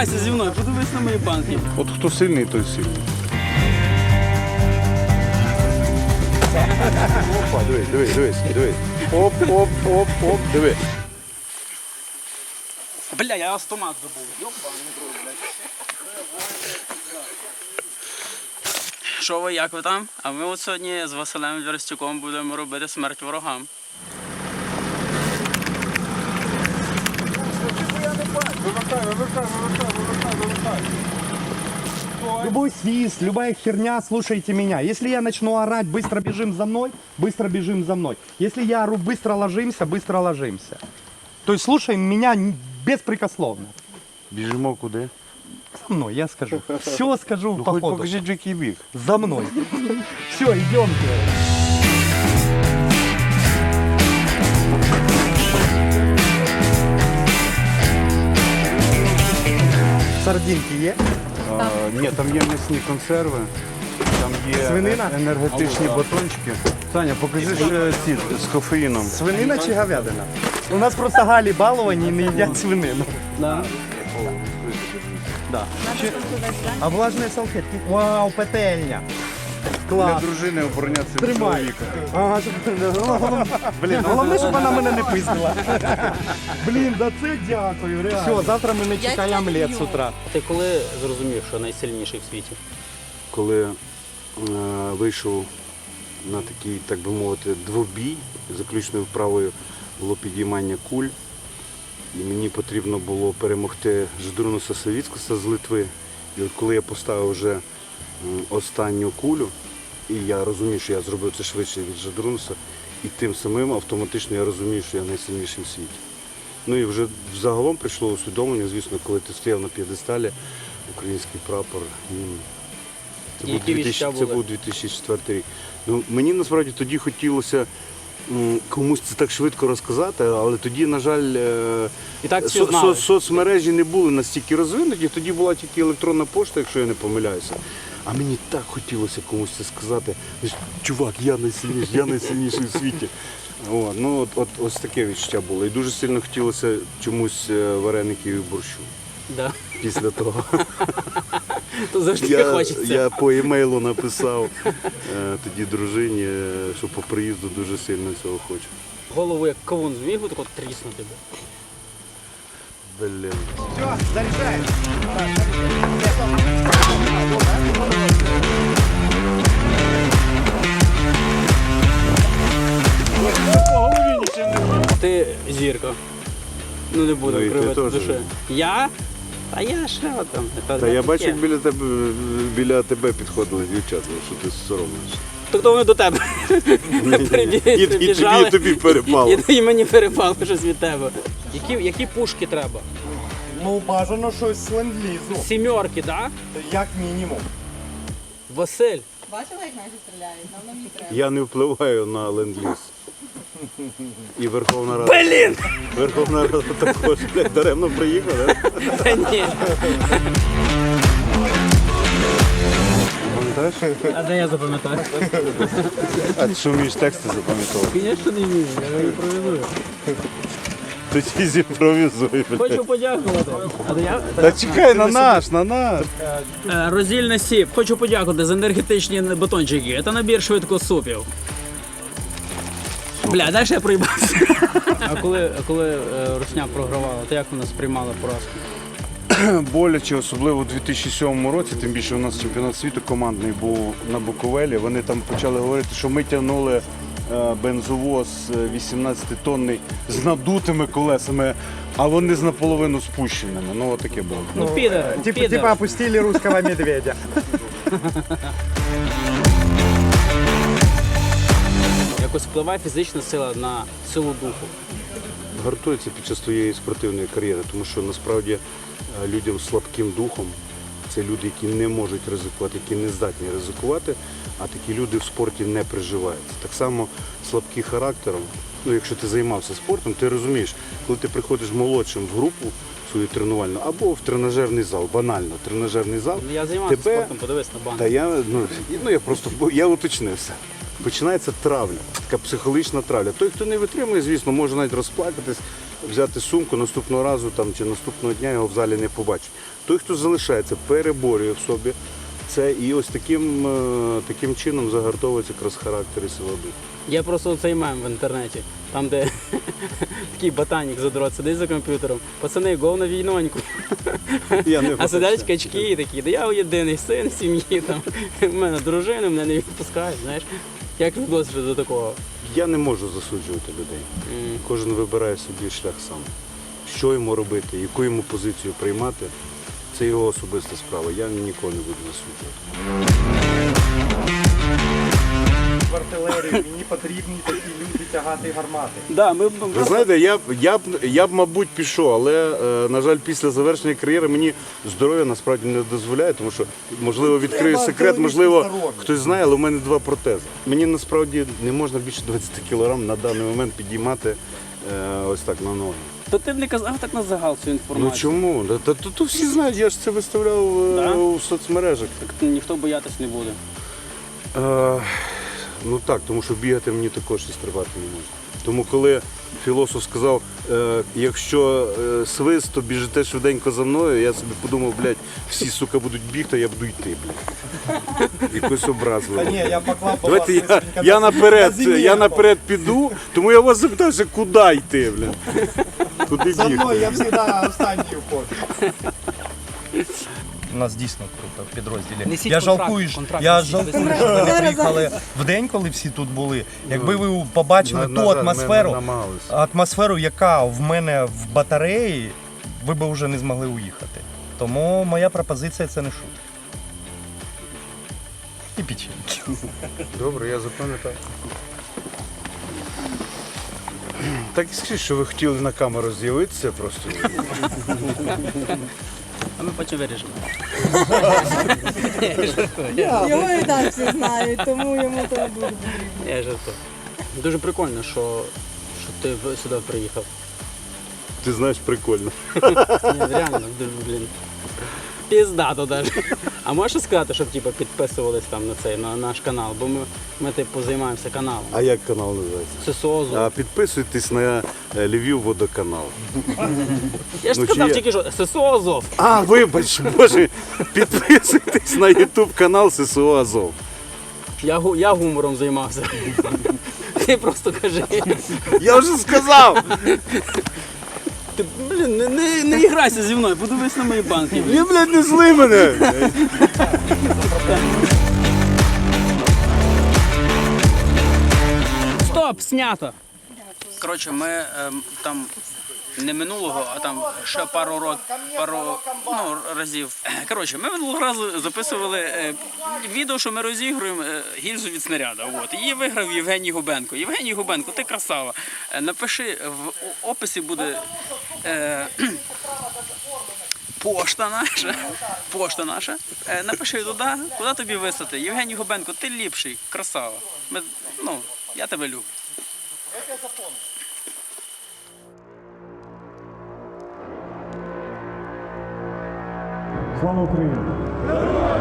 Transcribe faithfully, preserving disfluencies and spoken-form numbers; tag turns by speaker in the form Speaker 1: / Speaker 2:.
Speaker 1: Змагайся зі мною, подивись на мої банки.
Speaker 2: От хто сильний, той сильний. Опа, дивись, дивись, дивись, дивись. Оп, оп, оп, оп, диви.
Speaker 1: Бля, я автомат забув. Йобаний рот, блядь. Що ви, як ви там? А ми от сьогодні з Василем Вірстюком будемо робити смерть ворогам.
Speaker 2: Вивертай, вивертай, вивертай, вивертай, вивертай.
Speaker 3: Любой свист, любая херня, слушайте меня. Если я начну орать, быстро бежим за мной, быстро бежим за мной. Если я ору, быстро ложимся, быстро ложимся. То есть слушаем меня беспрекословно.
Speaker 2: Біжимо куди?
Speaker 3: За мной, я скажу. Все скажу
Speaker 2: Ну
Speaker 3: по
Speaker 2: хоч
Speaker 3: ходу.
Speaker 2: покажіть, в який біг.
Speaker 3: За мной. Все, идемте. Сардинки є?
Speaker 2: А, ні, там є м'ясні консерви, там є
Speaker 3: Свинина?
Speaker 2: енергетичні батончики. Таня, покажи ще ці з кофеїном.
Speaker 3: Свинина чи говядина? У нас просто галі баловані і не їдять свинину.
Speaker 1: Да.
Speaker 3: Да. А влажні салфетки? Вау, петельня.
Speaker 2: Для
Speaker 3: Клас.
Speaker 2: дружини оборонятися від
Speaker 3: Тримай.
Speaker 2: чоловіка.
Speaker 3: Ага, щоб... Блін, головне, щоб вона мене не пиздила. Блін, да це дякую, реально. Все, завтра ми не чекаємо омлет з утра.
Speaker 1: Ти коли зрозумів, що найсильніший в світі?
Speaker 4: Коли е, вийшов на такий, так би мовити, двобій, заключною вправою було підіймання куль, і мені потрібно було перемогти Ждрунуса Савіцкуса з Литви. І от коли я поставив вже м, останню кулю, і я розумів, що я зробив це швидше від Ждрунуса, і тим самим автоматично я розумів, що я найсильніший в світі. Ну і вже взагалом прийшло усвідомлення, звісно, коли ти стояв на п'єдесталі, український прапор, гімн. Це був,
Speaker 1: Які
Speaker 4: 2000,
Speaker 1: відчуття
Speaker 4: це
Speaker 1: були?
Speaker 4: був дві тисячі четвертий рік. Ну, мені насправді тоді хотілося м, комусь це так швидко розказати, але тоді, на жаль, е,
Speaker 1: І так всі
Speaker 4: со-
Speaker 1: знали.
Speaker 4: со- соцмережі не були настільки розвинуті, тоді була тільки електронна пошта, якщо я не помиляюся. А мені так хотілося комусь це сказати. Чувак, я найсильніший, я найсильніший у світі. О, ну, от, от, ось таке відчуття було. І дуже сильно хотілося чомусь е, вареників і борщу
Speaker 1: Да.
Speaker 4: після того.
Speaker 1: То завжди
Speaker 4: Я,
Speaker 1: хочеться.
Speaker 4: я по емейлу написав е, тоді дружині, е, що по приїзду дуже сильно цього хочу.
Speaker 1: Голову як кавун зміг би тако тріснути би.
Speaker 4: Блін.
Speaker 3: Все, заряджаємо.
Speaker 1: Ти зірка. Ну не буду
Speaker 4: Ну, і ти
Speaker 1: кривити
Speaker 4: теж.
Speaker 1: душе. Я? А я що там? Та,
Speaker 4: Та я
Speaker 1: таке.
Speaker 4: бачу, як біля тебе біля тебе підходили дівчата, що ти соромишся.
Speaker 1: Тобто вони до тебе прибі-
Speaker 4: І, і тобі,
Speaker 1: прибіжали.
Speaker 4: і тобі перепало.
Speaker 1: І, і мені перепало щось від тебе. Які, які пушки треба?
Speaker 3: Ну, бажано щось з ленд-лізу.
Speaker 1: Сімерки, так? Да?
Speaker 3: Як мінімум.
Speaker 1: Василь.
Speaker 5: Бачила, як наші стріляють? Нам нам не треба.
Speaker 4: Я не впливаю на ленд-ліз. І Верховна Рада.
Speaker 1: Блін!
Speaker 4: Верховна Рада також, блядь, даремно приїхала. да?
Speaker 1: Та ні.
Speaker 4: Пам'ятаєш?
Speaker 1: А де я запам'ятаю?
Speaker 4: А ти що вмієш тексти запам'ятовувати?
Speaker 1: Звісно, не вмію, я імпровізую.
Speaker 4: Тоді зімпровізуй, блядь.
Speaker 1: Хочу подякувати. А де я?
Speaker 4: Та чекай, на наш, на наш.
Speaker 1: Е, Роздільний сіп. Хочу подякувати за енергетичні батончики. Це набір швидкосупів. Бля, далі я проїбався. А коли, а коли е, Русня програвала, то як вона сприймала поразку?
Speaker 4: Боляче, особливо у дві тисячі сьомому році, тим більше у нас чемпіонат світу командний був на Буковелі. Вони там почали говорити, що ми тягнули е, бензовоз вісімнадцятитонний з надутими колесами, а вони з наполовину спущеними. Ну, отаке було.
Speaker 1: Ну, підер,
Speaker 3: Типа,
Speaker 1: підер.
Speaker 3: типа опустили русского медведя.
Speaker 1: Якось впливає фізична сила на силу духу.
Speaker 4: Гартується під час твоєї спортивної кар'єри, тому що насправді е, людям з слабким духом це люди, які не можуть ризикувати, які не здатні ризикувати, а такі люди в спорті не приживаються. Так само слабкі характером, ну якщо ти займався спортом, ти розумієш, коли ти приходиш молодшим в групу свою тренувальну або в тренажерний зал, банально тренажерний зал,
Speaker 1: Ну, я займався
Speaker 4: тебе...
Speaker 1: спортом, подивись на банк.
Speaker 4: Та я, ну, ну я просто бо я уточнився. Починається травля, така психологічна травля. Той, хто не витримує, звісно, може навіть розплакатись, взяти сумку, наступного разу там, чи наступного дня його в залі не побачить. Той, хто залишається, переборює в собі це і ось таким, е, таким чином загартовується якраз характер і сила духу.
Speaker 1: Є просто цей мем в інтернеті, там де такий ботанік задрот сидить за комп'ютером. Пацани, гол на війноньку.
Speaker 4: Я не
Speaker 1: А сидять
Speaker 4: бачу.
Speaker 1: качки і такі, да я єдиний син в сім'ї, там, в мене дружина, мене не відпускають, знаєш. Як відносишся до такого?
Speaker 4: Я не можу засуджувати людей.
Speaker 1: М.
Speaker 4: Кожен вибирає собі шлях сам. Що йому робити, яку йому позицію приймати, це його особиста справа. Я нікого не буду засуджувати.
Speaker 3: В артилерії мені потрібні такі люди тягати гармати.
Speaker 1: Да, ми,
Speaker 4: Ви знаєте, я б, я б, я б, мабуть, пішов, але, е, на жаль, після завершення кар'єри мені здоров'я насправді не дозволяє, тому що, можливо, відкрию
Speaker 3: Треба
Speaker 4: секрет, можливо,
Speaker 3: здоров'я.
Speaker 4: хтось знає, але у мене два протези. Мені насправді не можна більше двадцять кілограм на даний момент підіймати е, ось так на ноги.
Speaker 1: То ти б не казав так на загал цю
Speaker 4: Ну
Speaker 1: інформацію.
Speaker 4: чому? Та, та, та, то всі знають, я ж це виставляв е,
Speaker 1: Да?
Speaker 4: у соцмережах.
Speaker 1: Так ніхто боятись не буде.
Speaker 4: Е, ну так, тому що бігати мені також і стрибати не можна. Тому коли філософ сказав, е, якщо е, свист, то біжите швиденько за мною, я собі подумав, блядь, всі, сука, будуть бігти, а я буду йти, блядь. Якось образливо.
Speaker 3: Та ні, я поклав по
Speaker 4: Давайте
Speaker 3: вас
Speaker 4: я,
Speaker 3: несколько
Speaker 4: я, наперед,
Speaker 3: на зимі.
Speaker 4: я наперед піду, тому я вас запитався, куди йти, блядь. Куди
Speaker 3: За мною
Speaker 4: бігти?
Speaker 3: я завжди останній входжу. У нас дійсно круто в підрозділі.
Speaker 1: Несіть
Speaker 3: Я
Speaker 1: контракт,
Speaker 3: жалкую, що-
Speaker 1: контракт
Speaker 3: я
Speaker 1: несіть.
Speaker 3: жалкую, що ви не приїхали в день, коли всі тут були. Якби ви побачили
Speaker 4: На-
Speaker 3: ту
Speaker 4: на жаль, ми
Speaker 3: атмосферу,
Speaker 4: не намагалися.
Speaker 3: атмосферу, яка в мене в батареї, ви б вже не змогли уїхати. Тому моя пропозиція це не шутка. І печеньки.
Speaker 4: Добре, я запам'ятав. Так і скажіть, що ви хотіли на камеру з'явитися просто.
Speaker 1: А ми потім вирішимо.
Speaker 5: Його і так всі знають, тому йому то не буде потрібно.
Speaker 1: Я жартую. Дуже прикольно, що, що ти в- сюди приїхав.
Speaker 4: Ти знаєш, прикольно.
Speaker 1: Ні, реально, дуже, блін. Піздато даже. А можеш сказати, щоб типу, підписувались там на цей на наш канал, бо ми, ми типу займаємося каналом.
Speaker 4: А як канал називається?
Speaker 1: Це СОЗу.
Speaker 4: А підписуйтесь на е, Львів водоканал.
Speaker 1: Я ж
Speaker 4: ну,
Speaker 1: сказав
Speaker 4: чи є?
Speaker 1: тільки що ССО Азов.
Speaker 4: А, вибач, боже, підписуйтесь на ютуб канал ССО Азов.
Speaker 1: Я, гу- я гумором займався. Ти просто кажи.
Speaker 4: Я вже сказав!
Speaker 1: Ти, блін, не, не, не іграйся зі мною, подивись на мої банки. блін.
Speaker 4: Я, блядь, не зли мене!
Speaker 1: Стоп, снято. Коротше, ми ем, там не минулого, а там ще пару років, пару ну, разів. Коротше, ми минулого разу записували е, відео, що ми розігруємо е, гільзу від снаряда. От. Її виграв Євгеній Губенко. Євгеній Губенко, ти красава. Е, напиши, в о- описі буде е, пошта наша. Пошта наша. Е, напиши туди, куди тобі вислати. Євгеній Губенко, ти ліпший, красава. Ми, ну, я тебе люблю.
Speaker 6: Слава Україні!